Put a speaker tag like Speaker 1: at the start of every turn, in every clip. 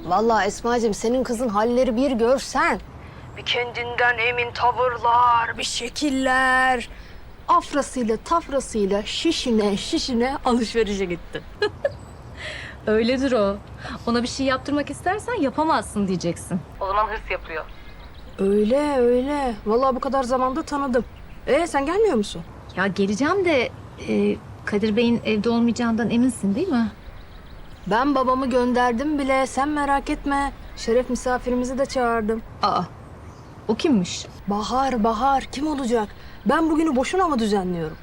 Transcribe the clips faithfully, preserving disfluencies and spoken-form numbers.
Speaker 1: Vallahi Esma'cığım senin kızın halleri bir görsen. Bir kendinden emin tavırlar, bir şekiller. Afrasıyla tafrasıyla şişine şişine alışverişe gitti.
Speaker 2: Öyledir o. Ona bir şey yaptırmak istersen yapamazsın diyeceksin. O zaman hırs yapıyor.
Speaker 1: Öyle öyle. Vallahi bu kadar zamanda tanıdım. Ee sen gelmiyor musun?
Speaker 2: Ya geleceğim de e, Kadir Bey'in evde olmayacağından eminsin değil mi?
Speaker 1: Ben babamı gönderdim bile. Sen merak etme. Şeref misafirimizi de çağırdım.
Speaker 2: Aa, o kimmiş?
Speaker 1: Bahar, Bahar. Kim olacak? Ben bugünü boşuna mı düzenliyorum?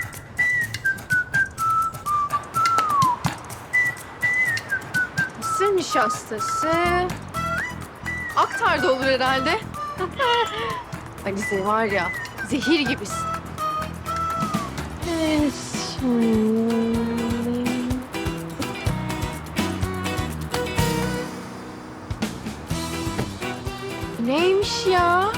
Speaker 3: Mısır nişastası. Aktar'da olur herhalde. Ali sen var ya, zehir gibisin. Evet, şimdi... Neymiş ya?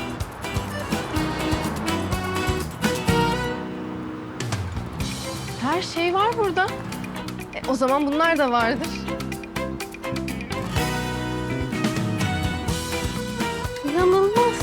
Speaker 3: Her şey var burada. E, o zaman bunlar da vardır. İnanılmaz.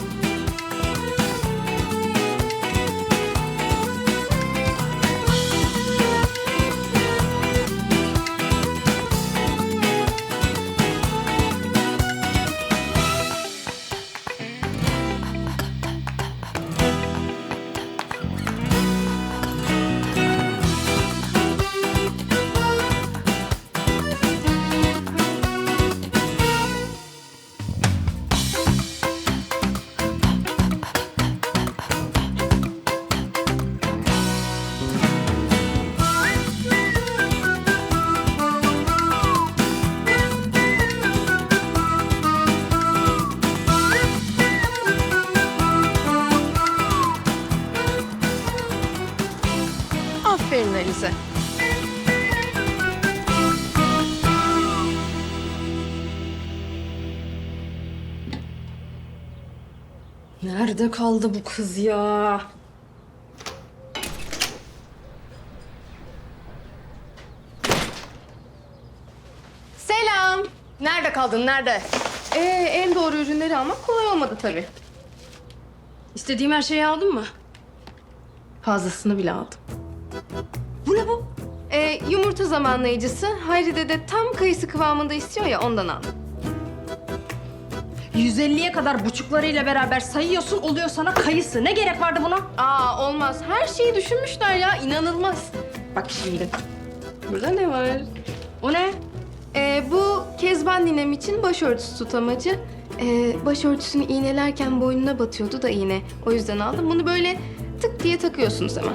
Speaker 3: Aferin Alize.
Speaker 1: Nerede kaldı bu kız ya?
Speaker 3: Selam.
Speaker 1: Nerede kaldın, nerede?
Speaker 3: Ee, en doğru ürünleri almak kolay olmadı tabii.
Speaker 1: İstediğim her şeyi aldın mı?
Speaker 3: Fazlasını bile aldım.
Speaker 1: Bu ne bu?
Speaker 3: Ee, yumurta zamanlayıcısı. Hayri de tam kayısı kıvamında istiyor ya, ondan aldım.
Speaker 1: yüz elliye kadar buçuklarıyla beraber sayıyorsun, oluyor sana kayısı. Ne gerek vardı buna?
Speaker 3: Aa, olmaz. Her şeyi düşünmüşler ya, inanılmaz. Bak şimdi. Burada ne var?
Speaker 1: O ne?
Speaker 3: Ee, bu Kezban ninem için başörtüsü tutamacı. Ee, başörtüsünü iğnelerken boynuna batıyordu da iğne. O yüzden aldım. Bunu böyle tık diye takıyorsunuz hemen.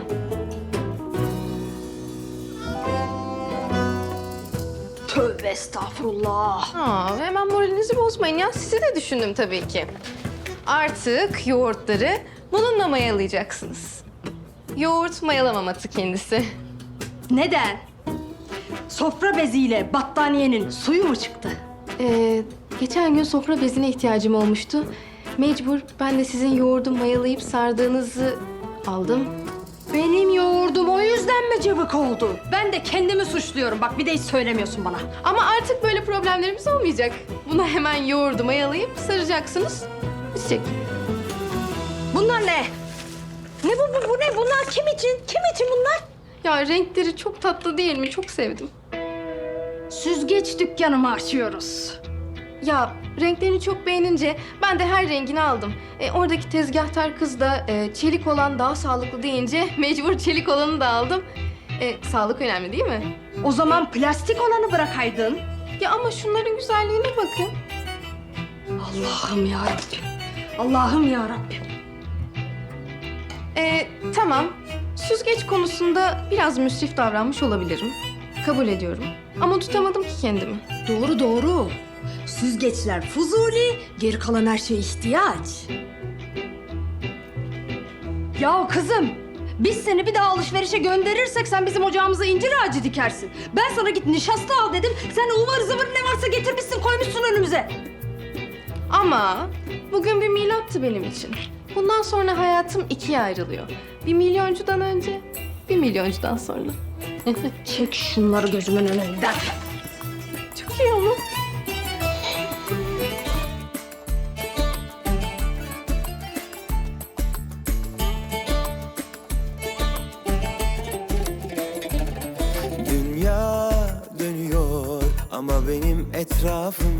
Speaker 1: Tövbe estağfurullah.
Speaker 3: Aa, hemen moralinizi bozmayın ya. Sizi de düşündüm tabii ki. Artık yoğurtları bununla mayalayacaksınız. Yoğurt mayalamaması kendisi.
Speaker 1: Neden? Sofra beziyle battaniyenin suyu mu çıktı?
Speaker 3: Ee, geçen gün sofra bezine ihtiyacım olmuştu. Mecbur ben de sizin yoğurdu mayalayıp sardığınızı aldım.
Speaker 1: Benim yoğurdum o yüzden mi cıvık oldu? Ben de kendimi suçluyorum. Bak bir de hiç söylemiyorsun bana.
Speaker 3: Ama artık böyle problemlerimiz olmayacak. Buna hemen yoğurdu mayalayıp saracaksınız. Bitecek.
Speaker 1: Bunlar ne? Ne bu, bu, bu ne? Bunlar kim için? Kim için bunlar?
Speaker 3: Ya renkleri çok tatlı değil mi? Çok sevdim.
Speaker 1: Süzgeç dükkanı mı açıyoruz?
Speaker 3: Ya renklerini çok beğenince ben de her rengini aldım. E, oradaki tezgahtar kız da e, çelik olan daha sağlıklı deyince mecbur çelik olanı da aldım. E, sağlık önemli değil mi?
Speaker 1: O zaman plastik olanı bırakaydın.
Speaker 3: Ya ama şunların güzelliğine bakın.
Speaker 1: Allah'ım ya Rabbim. Allah'ım ya Rabbim.
Speaker 3: E, tamam. Süzgeç konusunda biraz müsrif davranmış olabilirim. Kabul ediyorum. Ama tutamadım ki kendimi.
Speaker 1: Doğru doğru. Süzgeçler fuzuli, geri kalan her şey ihtiyaç. Ya kızım, biz seni bir daha alışverişe gönderirsek sen bizim ocağımıza incir ağacı dikersin. Ben sana git nişasta al dedim, sen ıvır zıvır ne varsa getirmişsin koymuşsun önümüze.
Speaker 3: Ama bugün bir milattı benim için. Bundan sonra hayatım ikiye ayrılıyor. Bir milyoncudan önce, bir milyoncudan sonra.
Speaker 1: Çek şunları gözümün önünden.
Speaker 3: Çok iyi ama.
Speaker 4: Ama benim etrafım